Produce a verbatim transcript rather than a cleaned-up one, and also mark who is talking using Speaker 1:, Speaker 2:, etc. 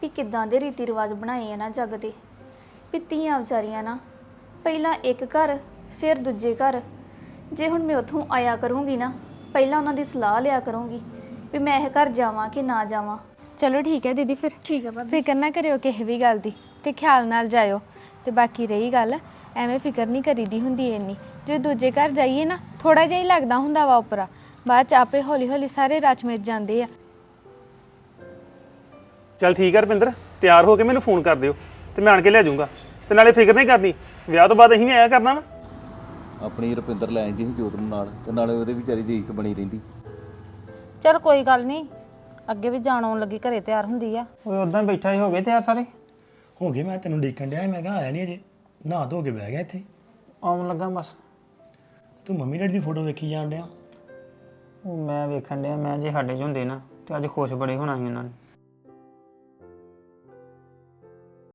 Speaker 1: ਵੀ ਕਿੱਦਾਂ ਦੇ ਰੀਤੀ ਰਿਵਾਜ ਬਣਾਏ ਆ ਨਾ ਜੱਗ ਦੇ, ਵੀ ਧੀਆਂ ਵਿਚਾਰੀਆਂ ਨਾ ਪਹਿਲਾਂ ਇੱਕ ਘਰ ਫਿਰ ਦੂਜੇ ਘਰ। ਜੇ ਹੁਣ ਮੈਂ ਉੱਥੋਂ ਆਇਆ ਕਰੂੰਗੀ ਨਾ, ਪਹਿਲਾਂ ਉਹਨਾਂ ਦੀ ਸਲਾਹ ਲਿਆ ਕਰੂੰਗੀ ਵੀ ਮੈਂ ਇਹ ਘਰ ਜਾਵਾਂ ਕਿ ਨਾ ਜਾਵਾਂ।
Speaker 2: ਚਲੋ ਠੀਕ ਹੈ ਦੀਦੀ, ਫਿਰ
Speaker 1: ਠੀਕ ਹੈ ਭਾਬੀ।
Speaker 2: ਫਿਕਰ ਨਾ ਕਰਿਓ ਕਿਸੇ ਵੀ ਗੱਲ ਦੀ, ਤੇ ਖਿਆਲ ਨਾਲ ਜਾਇਓ। ਤੇ ਬਾਕੀ ਰਹੀ ਗੱਲ, ਐਵੇਂ ਫਿਕਰ ਨਹੀਂ ਕਰੀਦੀ ਹੁੰਦੀ ਇੰਨੀ। ਜੇ ਦੂਜੇ ਘਰ ਜਾਈਏ ਨਾ, ਥੋੜਾ ਜਿਹਾ ਹੀ ਲੱਗਦਾ ਹੁੰਦਾ ਵਾ ਉਪਰਾ, ਬਾਅਦ ਚ ਆਪੇ ਹੌਲੀ ਹੌਲੀ ਸਾਰੇ ਰਚ ਮਿਚ ਜਾਂਦੇ ਆ।
Speaker 3: ਚੱਲ ਠੀਕ ਹੈ ਰੁਪਿੰਦਰ, ਤਿਆਰ ਹੋ ਕੇ ਮੈਨੂੰ ਫੋਨ ਕਰ ਦਿਓ ਤੇ ਮੈਂ ਆਣ ਕੇ ਲੈ ਜਾਊਂਗਾ। ਤੇ ਨਾਲੇ ਫਿਕਰ ਨਹੀਂ ਕਰਨੀ, ਵਿਆਹ ਤੋਂ ਬਾਅਦ ਅਸੀਂ ਵੀ ਆਇਆ ਕਰਨਾ ਵਾ।
Speaker 4: ਆਪਣੀ ਰੁਪਿੰਦਰ ਲੈ ਆਂਦੀ ਸੀ ਜੋਤ ਨੂੰ ਨਾਲ, ਤੇ ਨਾਲੇ ਉਹਦੇ ਵਿਚਾਰੀ ਦੀ ਇੱਜ਼ਤ ਬਣੀ ਰਹਿੰਦੀ।
Speaker 5: ਚਲ ਕੋਈ ਗੱਲ ਨਹੀਂ, ਅੱਗੇ ਵੀ ਜਾਣ ਆਉਣ ਲੱਗੀ ਘਰੇ ਤਿਆਰ ਹੁੰਦੀ ਆ।
Speaker 6: ਓਏ ਉਦਾਂ ਬੈਠਾ ਹੀ ਹੋ ਗਏ ਤਿਆਰ ਸਾਰੇ?
Speaker 7: ਹੋ ਗਏ, ਮੈਂ ਤੈਨੂੰ ਦੇਖਣ ਡਿਆ ਸੀ, ਮੈਂ ਕਿਹਾ ਆਇਆ ਨਹੀਂ ਅਜੇ, ਨਹਾ ਧੋ ਕੇ ਬਹਿ ਗਿਆ ਇੱਥੇ।
Speaker 6: ਆਉਣ ਲੱਗਾ ਬਸ।
Speaker 7: ਤੂੰ ਮੰਮੀ ਡੈਡੀ ਦੀ ਫੋਟੋ ਵੇਖੀ ਜਾਣ ਡਿਆ?
Speaker 6: ਉਹ ਮੈਂ ਵੇਖਣ ਡਿਆ, ਮੈਂ ਜੇ ਸਾਡੇ 'ਚ ਹੁੰਦੇ ਨਾ ਤੇ ਅੱਜ ਖੁਸ਼ ਬੜੇ ਹੋਣਾ ਸੀ ਉਹਨਾਂ ਨੇ।